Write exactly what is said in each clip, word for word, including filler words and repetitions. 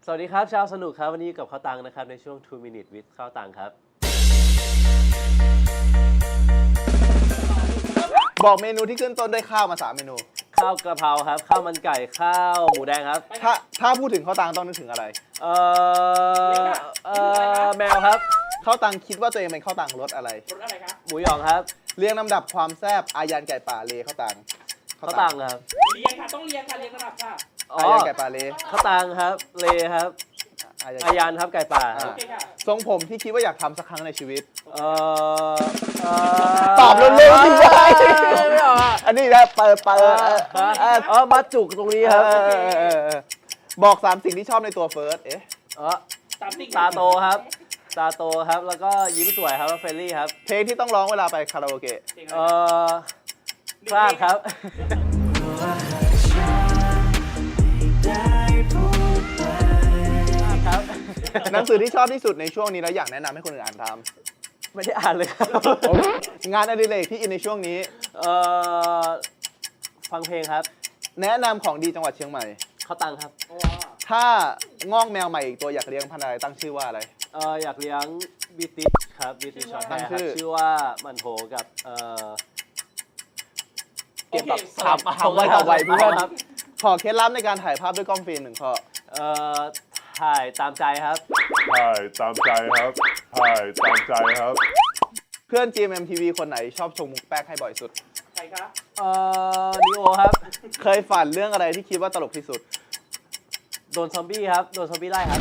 สวัสดีครับชาวสนุกครับวันนี้กับข้าวตังนะครับในช่วง two minute with ข้าวตังครับบอกเมนูที่ขึ้นต้นด้วยข้าวมาสามเมนูข้าวกระเพราครับข้าวมันไก่ข้าวหมูแดงครับถ้าถ้าพูดถึงข้าวตังต้องนึกถึงอะไรเอ่อเอ่อแมวครับข้าวตังคิดว่าตัวเองเป็นข้าวตังรสอะไรรสอะไรครับหมูหยองครับเรียงลำดับความแซ่บอายันไก่ป่าเลข้าวตังข้าวตังครับเรียงค่ะต้องเรียงค่ะเรียงระดับค่ะอายันไก่ป่าเลข้าวตังครับเลครับอายันครับไก่ป่าโอเคค่ะทรงผมที่คิดว่าอยากทำสักครั้งในชีวิตเอ่อตอบเร็วๆสิวะอันนี้นะเปิดเปิดเออมาจุกตรงนี้ครับบอกสามสิ่งที่ชอบในตัวเฟิร์สเอ๊ะเออตาโตครับตาโตครับแล้วก็ยิ้มสวยครับแล้วเฟรนลี่ครับเพลงที่ต้องร้องเวลาไปคาราโอเกะเออพลาดครับหนังสือที่ชอบที่สุดในช่วงนี้แล้วอยากแนะนำให้คนอื่นอ่านทำไม่ได้อ่านเลยครับงานอดิเรกที่อินในช่วงนี้เออฟังเพลงครับแนะนำของดีจังหวัดเชียงใหม่ข้าวตังครับถ้างอกแมวใหม่อีกตัวอยากเลี้ยงพันธุ์อะไรตั้งชื่อว่าอะไรเอออยากเลี้ยงบิติชครับบิติชช็อตแฮร์ครับชื่อว่ามันโถกับเออเก็บแบบทำทำไว้ทำไว้เพื่อนครับขอเคล็ดลับในการถ่ายภาพด้วยกล้องฟิล์มหนึ่งข้อเอ่อถ่ายตามใจครับถ่ายตามใจครับถ่ายตามใจครับเพื่อน จี เอ็ม เอ็ม ที วี คนไหนชอบชงมุกแป๊กให้บ่อยสุดใครครับเอ่อนิโอครับเคยฝันเรื่องอะไรที่คิดว่าตลกที่สุดโดนซอมบี้ครับโดนซอมบี้ไล่ครับ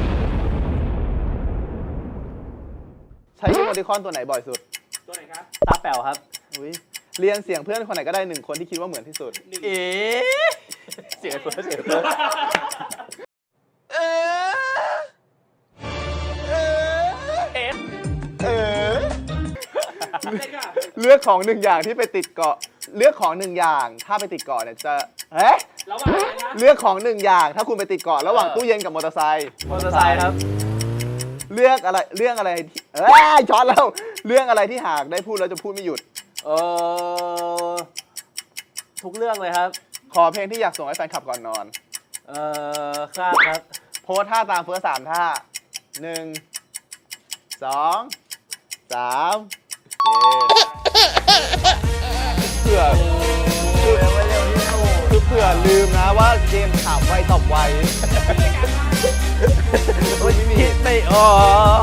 ใช้อีโมติคอนตัวไหนบ่อยสุดตัวไหนครับตาแป๋วครับอุ้ยเรียนเสียงเพื่อนคนไหนก็ได้หนึ่งคนที่คิดว่าเหมือนที่สุดเอ๊ะเสียงเฟิร์สเสียงเฟิร์สเออเออเออเลือกของหนึ่งอย่างที่ไปติดเกาะเลือกของหนึ่งอย่างถ้าไปติดเกาะเนี่ยจะเอ๊ะระหว่างอะไรนะเลือกของหนึ่งอย่างถ้าคุณไปติดเกาะระหว่างตู้เย็นกับมอเตอร์ไซค์มอเตอร์ไซค์ครับเลือกอะไรเรื่องอะไรที่เอ้ยช็อตแล้วเรื่องอะไรที่หากได้พูดแล้วจะพูดไม่หยุดเออทุกเรื่องเลยครับขอเพลงที่อยากส่งให้แฟนคลับก่อนนอนเออคลาดครับโพสท่าตามเฟิร์สสามท่าหนึ่งสองสามเผื่อคือเผื่อลืมนะว่าเกมถามไวตอบไวคิดไม่ออก